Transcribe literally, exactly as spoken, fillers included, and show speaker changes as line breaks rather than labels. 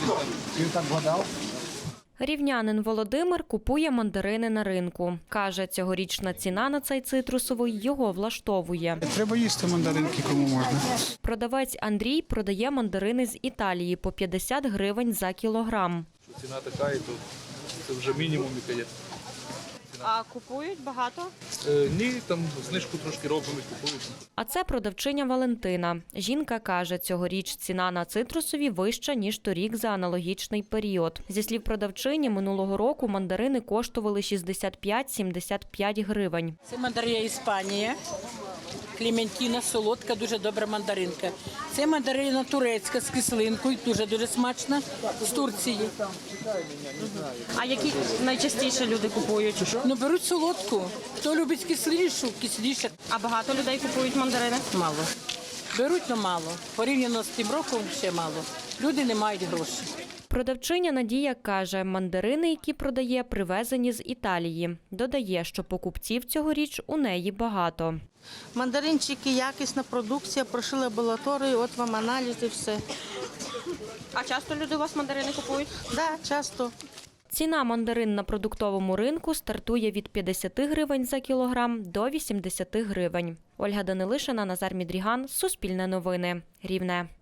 Ти так вгадав?
Рівнянин Володимир купує мандарини на ринку. Каже, цьогорічна ціна на цей цитрусовий його влаштовує.
Треба їсти мандаринки, кому можна.
Продавець Андрій продає мандарини з Італії по п'ятдесят гривень за кілограм.
Ціна така, і то це вже мінімум, яка є.
А купують багато?
Е, ні, там знижку трошки робимо і купують.
А це продавчиня Валентина. Жінка каже, цьогоріч ціна на цитрусові вища, ніж торік за аналогічний період. Зі слів продавчині, минулого року мандарини коштували шістдесят п'ять - сімдесят п'ять гривень.
Це мандарина Іспанія, клементіна, солодка, дуже добра мандаринка. Це мандарина турецька з кислинкою, дуже-дуже смачна, з Турції.
А які найчастіше люди купують?
Ну, беруть солодку. Хто любить кислішу, кисліше.
А багато людей купують мандарини?
Мало. Беруть, але мало. Порівняно з тим роком ще мало. Люди не мають грошей.
Продавчиня Надія каже, мандарини, які продає, привезені з Італії. Додає, що покупців цьогоріч у неї багато.
Мандаринчики, якісна продукція, пройшли лабораторію, от вам аналіз і все.
А часто люди у вас мандарини купують?
Так, да, часто.
Ціна мандарин на продуктовому ринку стартує від п'ятдесят гривень за кілограм до вісімдесят гривень. Ольга Данилишина, Назар Мідріган, Суспільне новини, Рівне.